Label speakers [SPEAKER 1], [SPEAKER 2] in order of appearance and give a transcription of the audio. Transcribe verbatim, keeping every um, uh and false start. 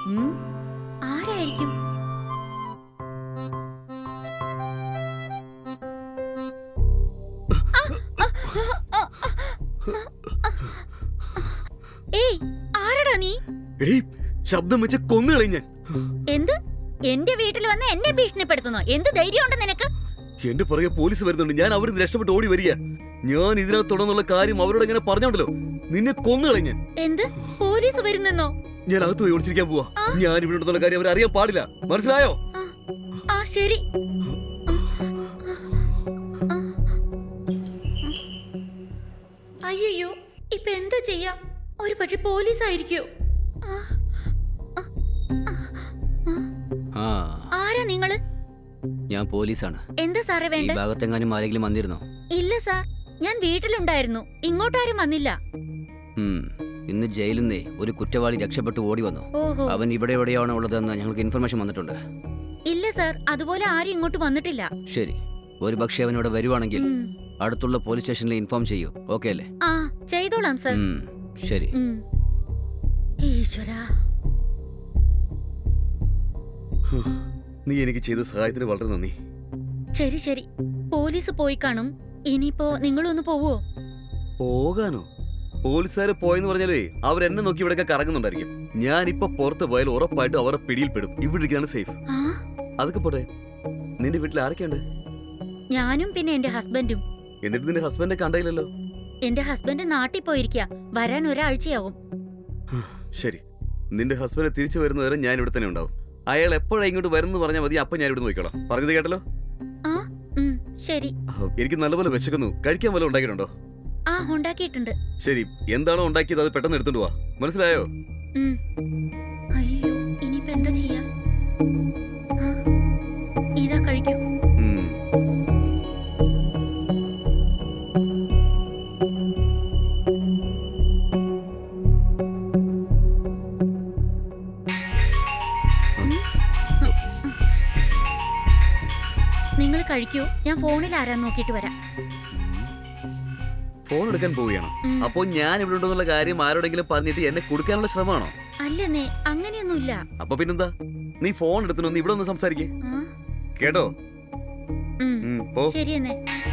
[SPEAKER 1] ആരായിരിക്കും? ഏയ്, ആരടാ നീ?
[SPEAKER 2] എടീ, ശബ്ദം വെച്ച് കൊന്നുകളയും ഞാൻ.
[SPEAKER 1] എന്ത്? എന്റെ വീട്ടിൽ വന്ന് എന്നെ ഭീഷണിപ്പെടുത്തുന്നോ? എന്ത് ധൈര്യമുണ്ട് നിനക്ക്?
[SPEAKER 2] എന്റെ പുറകെ പോലീസ് വരുന്നുണ്ട്. ഞാൻ അവരിന്ന് രക്ഷപ്പെട്ട് ഓടി വരിക. ഞാൻ ഇതിനകത്തുടന്നുള്ള കാര്യം അവരോട് എങ്ങനെ പറഞ്ഞോണ്ടല്ലോ, നിന്നെ കൊന്നുകളയും ഞാൻ.
[SPEAKER 1] എന്ത്? പോലീസ് വരുന്നെന്നോ?
[SPEAKER 2] ഞാൻ അകത്ത് പോയി ഒളിച്ചിരിക്കാൻ പോവാ. ഞാൻ ഇവിടെ ഉണ്ടെന്നുള്ള കാര്യം അവർ അറിയാൻ പാടില്ല. മനസ്സിലായോ?
[SPEAKER 1] ആ ശരി. അയ്യോ, ഇപ്പൊ എന്താ ചെയ്യാ? ഒരു പക്ഷെ പോലീസ് ആയിരിക്കോ? ആരാ നിങ്ങള്?
[SPEAKER 3] ഞാൻ പോലീസാണ്.
[SPEAKER 1] എന്താ സാറേ വേണ്ട?
[SPEAKER 3] ഈ ഭാഗത്തെങ്ങാനും ആരെങ്കിലും വന്നിരുന്നോ?
[SPEAKER 1] ഇല്ല സാർ, ഞാൻ വീട്ടിലുണ്ടായിരുന്നു. ഇങ്ങോട്ടാരും വന്നില്ല.
[SPEAKER 3] ഇന്ന് ജയിലിൽ നിന്നേ ഒരു കുറ്റവാളി രക്ഷപ്പെട്ടു ഓടി വന്നു. അവൻ ഇവിടെ എവിടെയാണ് ഉള്ളതെന്ന് ഞങ്ങൾക്ക് ഇൻഫർമേഷൻ വന്നിട്ടുണ്ട്.
[SPEAKER 1] ഇല്ല സാർ, അതുപോലെ ആരും ഇങ്ങോട്ട് വന്നിട്ടില്ല.
[SPEAKER 3] ശരി, ഒരു പക്ഷേ അവൻ ഇവിടെ വരുവാണെങ്കിൽ അടുത്തുള്ള പോലീസ് സ്റ്റേഷനിൽ ഇൻഫോം ചെയ്യൂ. ഓക്കെ അല്ലേ?
[SPEAKER 1] ആ, ചെയ്തോളാം സാർ.
[SPEAKER 3] ശരി.
[SPEAKER 1] ഈശ്വരാ,
[SPEAKER 2] നീ എനിക്ക് ചെയ്ത സഹായത്തിന് വളരെ നന്ദി.
[SPEAKER 1] ശരി ശരി, പോലീസ് പോയി കാണും. ഇനിയിപ്പോ നിങ്ങളൊന്ന് പോവോ?
[SPEAKER 2] പോകാനോ? പോലീസുകാര് പോയെന്ന് പറഞ്ഞാലേ അവരെന്നെ നോക്കി ഇവിടെയൊക്കെ കറങ്ങുന്നുണ്ടായിരിക്കും. ഞാൻ ഇപ്പൊ പുറത്ത് പോയാൽ ഉറപ്പായിട്ടും അവരുടെ പിടിയിൽപ്പെടും. ഇവിടെ ഇരിക്കാണ് സേഫ്. അതൊക്കെ പോട്ടെ, നിന്റെ വീട്ടിൽ ആരൊക്കെയുണ്ട്?
[SPEAKER 1] ഞാനും പിന്നെ എന്റെ ഹസ്ബൻഡും.
[SPEAKER 2] എന്നിട്ട് നിന്റെ ഹസ്ബൻഡെ കണ്ടയില്ലല്ലോ?
[SPEAKER 1] എന്റെ ഹസ്ബൻഡ് നാട്ടിൽ പോയിരിക്കാ. വരാൻ ഒരാഴ്ചയാവും.
[SPEAKER 2] ശരി, നിന്റെ ഹസ്ബൻഡ് തിരിച്ചു വരുന്നവരെ ഞാൻ ഇവിടെ തന്നെ ഉണ്ടാവും. അയാൾ എപ്പോഴാ ഇങ്ങോട്ട് വരുന്നു പറഞ്ഞാൽ മതി, അപ്പൊ ഞാൻ ഇവിടെ നോക്കിക്കോളാം. പറഞ്ഞത് കേട്ടല്ലോ?
[SPEAKER 1] ശരി.
[SPEAKER 2] എനിക്ക് നല്ലപോലെ വിശക്കുന്നു. കഴിക്കാൻ വല്ലതും ഉണ്ടാക്കിയിട്ടുണ്ടോ?
[SPEAKER 1] ആ, ഉണ്ടാക്കിയിട്ടുണ്ട്.
[SPEAKER 2] ശരി, എന്താണോ ഉണ്ടാക്കിയത് അത് പെട്ടെന്ന് എടുത്തോണ്ട് പോവാ. മനസ്സിലായോ?
[SPEAKER 1] അയ്യോ, ഇനിയിപ്പോ എന്താ ചെയ്യാ? ഇതാ കഴിക്കൂ. നിങ്ങൾ കഴിക്കൂ, ഞാൻ ഫോണിൽ ആരാന്ന് നോക്കിട്ട് വരാം.
[SPEAKER 2] ഫോൺ എടുക്കാൻ പോവുകയാണോ? അപ്പൊ ഞാൻ ഇവിടെ ഉണ്ടെന്നുള്ള കാര്യം ആരോടെങ്കിലും പറഞ്ഞിട്ട് എന്നെ കൊടുക്കാനുള്ള ശ്രമമാണോ?
[SPEAKER 1] അല്ലെന്നേ, അങ്ങനെയൊന്നുമില്ല.
[SPEAKER 2] അപ്പൊ പിന്നെന്താ? നീ ഫോൺ എടുത്തിനൊന്ന് ഇവിടെ ഒന്ന് സംസാരിക്കേ കേട്ടോ?
[SPEAKER 1] ശരിയെന്നേ.